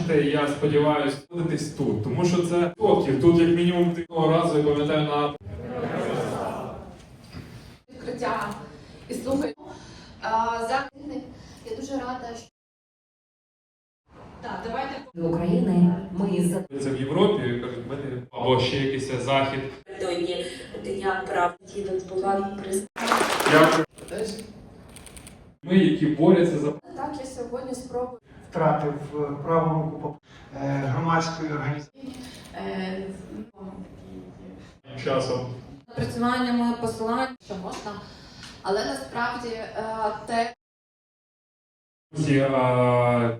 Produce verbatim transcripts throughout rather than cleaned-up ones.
бачите, і я сподіваюся, будетесь тут, тому що це років. Тут як мінімум одного разу, я пам'ятаю, на відкриття і слухаю. За я дуже рада, що так, давайте до України ми за це в Європі, кажуть, ми не- або ще якийсь захід. Сьогодні Дня прав діток була прис. Дякую. Ми, які борються за так, я сьогодні спробую. Втратив праву руку е, громадської організації. часом. Напрацюваннями, посиланням, що можна, але насправді е, те Ці, а,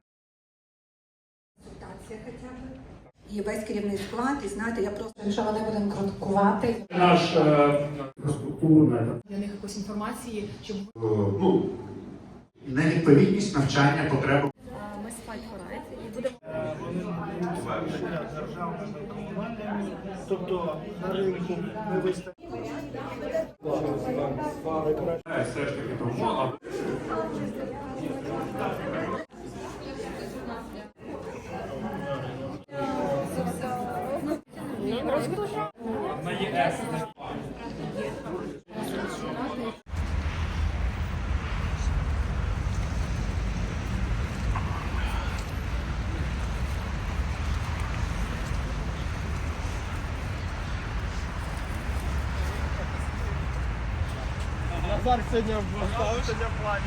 І весь керівний склад, і знаєте, я просто якщо вони будемо критикувати, наш е, для них якоїсь інформації, щоб ну, невідповідність навчання потребам. ми спайк-хорайт і будемо Тобто на ринку не вистачає. все ж таки тому, а на ЄС. Назар сьогодні сьогодні в плані.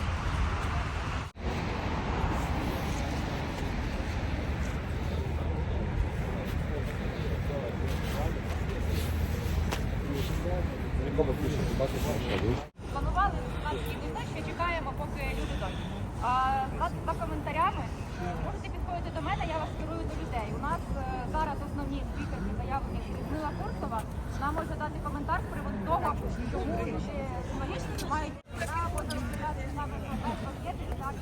планували складські дні, що чекаємо, поки люди дойдуть. А за, за коментарями можете підходити до мене, я вас керую до людей. У нас е, зараз основні спікерки заявлені Людмила Курсова. Вона може дати коментар з приводу того, чому люди журналісти мають право розглядати саме про об'єкти і так.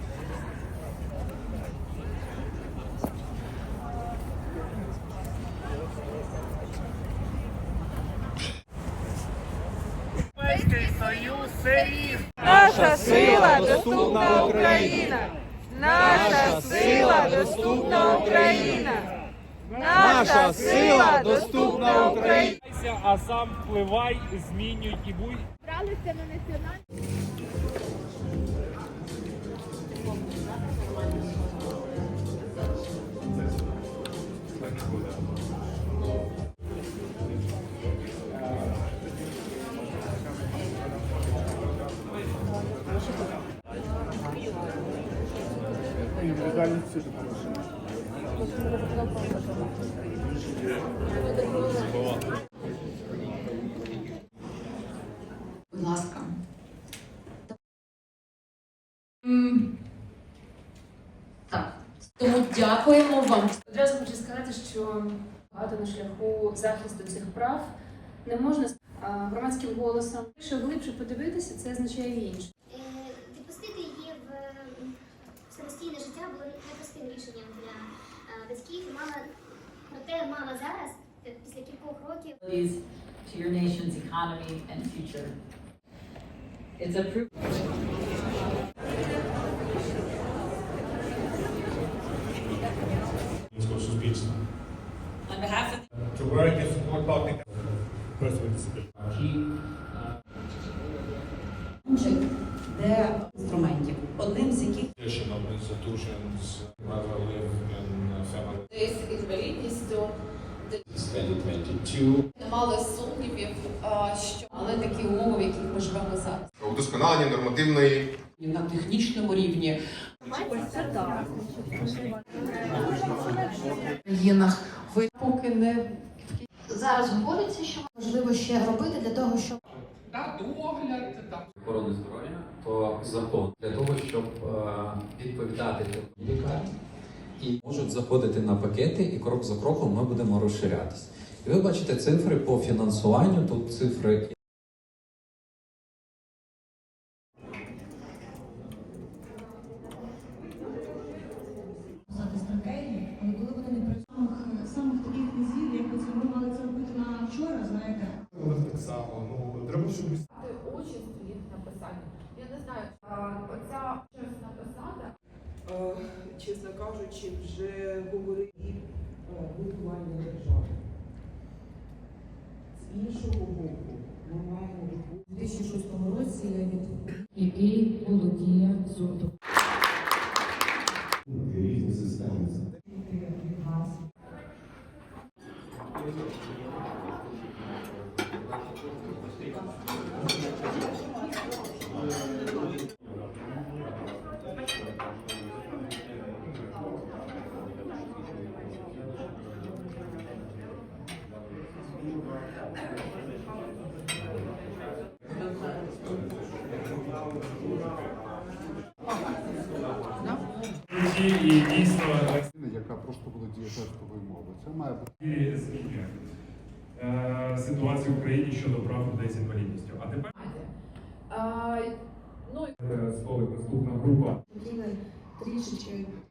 Наша сила доступна Україна! Наша сила доступна Україна! Наша сила доступна Україна! А сам впливай, змінюй і будь. Бралися на національні. будь ласка. Так. Тому дякуємо вам. Одразу хочу сказати, що багато на шляху захисту цих прав не можна а, громадським голосом. Якщо глибше подивитися, це означає інше. Відпустити її в самостійне життя було непростим рішенням для батьків. Мама, проте мама зараз, після кількох років, To your nation's economy and future. It's a proof. Суспільства. On behalf of To work and support public person with disability. де інструментів, одним з яких Additional institutions rather live in family. З інвалідністю twenty twenty-two. не мали сумнівів, а, що але такі умови, в яких ми живемо зараз. Удосконалення нормативної на технічному рівні країнах ви поки не зараз говориться, що можливо ще робити для того, щоб охорони здоров'я, то закон для того, щоб е, відповідати лікарні, і можуть заходити на пакети, і крок за кроком ми будемо розширятися. І ви бачите цифри по фінансуванню, тут цифри. стратегії, але коли вони не працюють самих таких низів, як це ми мали це робити на вчора, знаєте. Так само, ну, треба, щоб участь в їх написанні. Я не знаю, а, оця щось написати. Чесно кажучи, кажучи, вже говорить будування держави. З іншого боку, ми маємо у дві тисячі шостому році, який володіє зубом. Різні системи. І дійсно Яка просто володіє тестовою мовою. Це має бути. і змінює е, ситуацію в Україні щодо прав людей з інвалідністю. А тепер А, ну, е, столик наступна група. Трішечки